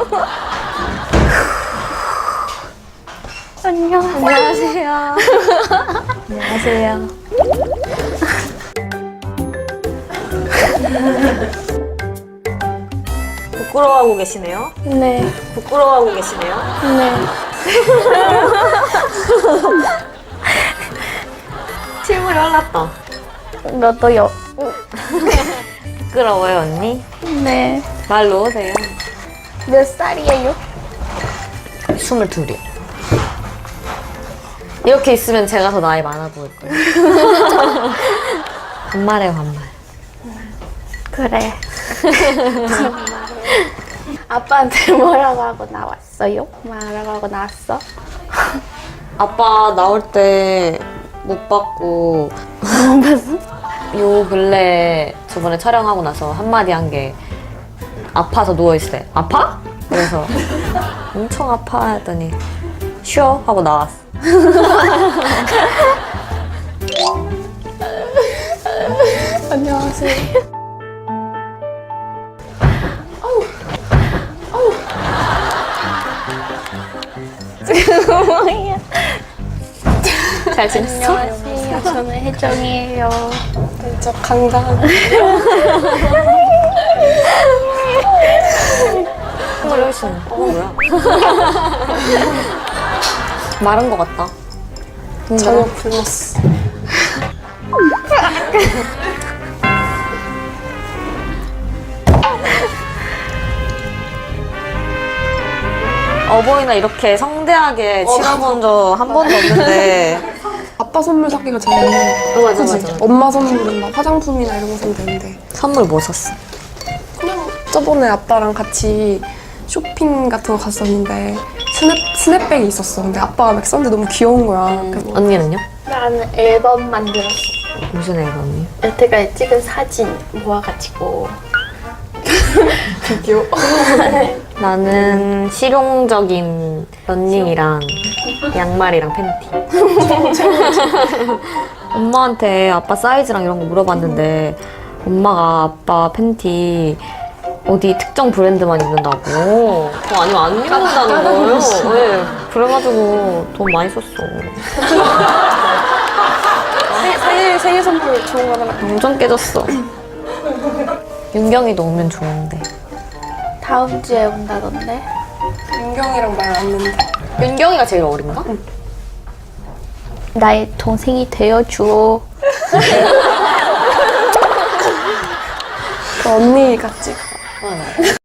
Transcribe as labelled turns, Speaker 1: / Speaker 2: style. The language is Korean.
Speaker 1: 안녕하세요. 안녕하세요. 부끄러워하고 계시네요?
Speaker 2: 네.
Speaker 1: 부끄러워하고 계시네요?
Speaker 2: 네.
Speaker 1: 실물이 올랐다.
Speaker 2: 너도요?
Speaker 1: 부끄러워요, 언니?
Speaker 2: 네.
Speaker 1: 말 놓으세요.
Speaker 2: 몇 살이에요?
Speaker 1: 22이요. 이렇게 있으면 제가 더 나이 많아 보일 거예요. 반말해요, 반말.
Speaker 2: 그래. 아빠한테 뭐라고 하고 나왔어요? 뭐라고 하고 나왔어?
Speaker 1: 아빠 나올 때 못 봤고
Speaker 2: 무슨?
Speaker 1: 요 근래 저번에 촬영하고 나서 한마디 한 게 아파서 누워있을 때 아파? 그래서 엄청 아파 했더니 쉬어 하고 나왔어.
Speaker 2: 안녕하세요. 뭐야?
Speaker 1: 잘 지냈어?
Speaker 2: 안녕하세요. 저는 혜정이에요.
Speaker 3: 저 강강.
Speaker 1: 정말 열심히. 뭐야? 마른 것 같다.
Speaker 3: 전혀 굶었어.
Speaker 1: 어버이날 이렇게 성대하게 치러본 적 한 번도 없는데.
Speaker 3: 아빠 선물 사기가 제일 힘들어.
Speaker 1: 맞아,
Speaker 3: 그치?
Speaker 1: 맞아.
Speaker 3: 엄마 선물은 막 화장품이나 이런 거 사면 되는데.
Speaker 1: 선물 뭐 샀어?
Speaker 3: 그냥 저번에 아빠랑 같이 쇼핑 같은 거 갔었는데 스냅백이 있었어. 근데 아빠가 막 썼는데 너무 귀여운 거야. 그래서
Speaker 1: 언니는요?
Speaker 2: 나는 앨범 만들었어.
Speaker 1: 무슨 앨범이요?
Speaker 2: 여태까지 찍은 사진 모아가지고.
Speaker 3: 되게 귀여워.
Speaker 1: 나는 실용적인 러닝이랑 양말이랑 팬티. 엄마한테 아빠 사이즈랑 이런 거 물어봤는데 엄마가 아빠 팬티 어디 특정 브랜드만 입는다고. 아니면 안 입는다는 거예요. 네. 그래가지고 돈 많이 썼어.
Speaker 3: 생일 선물 좋은 거 하나.
Speaker 1: 완전 깨졌어. 윤경이도 오면 좋은데.
Speaker 2: 다음 주에 온다던데.
Speaker 3: 윤경이랑 말 안 했는데.
Speaker 1: 윤경이가 제일 어린가?
Speaker 2: 나의 동생이 되어줘.
Speaker 3: 그 언니 같지?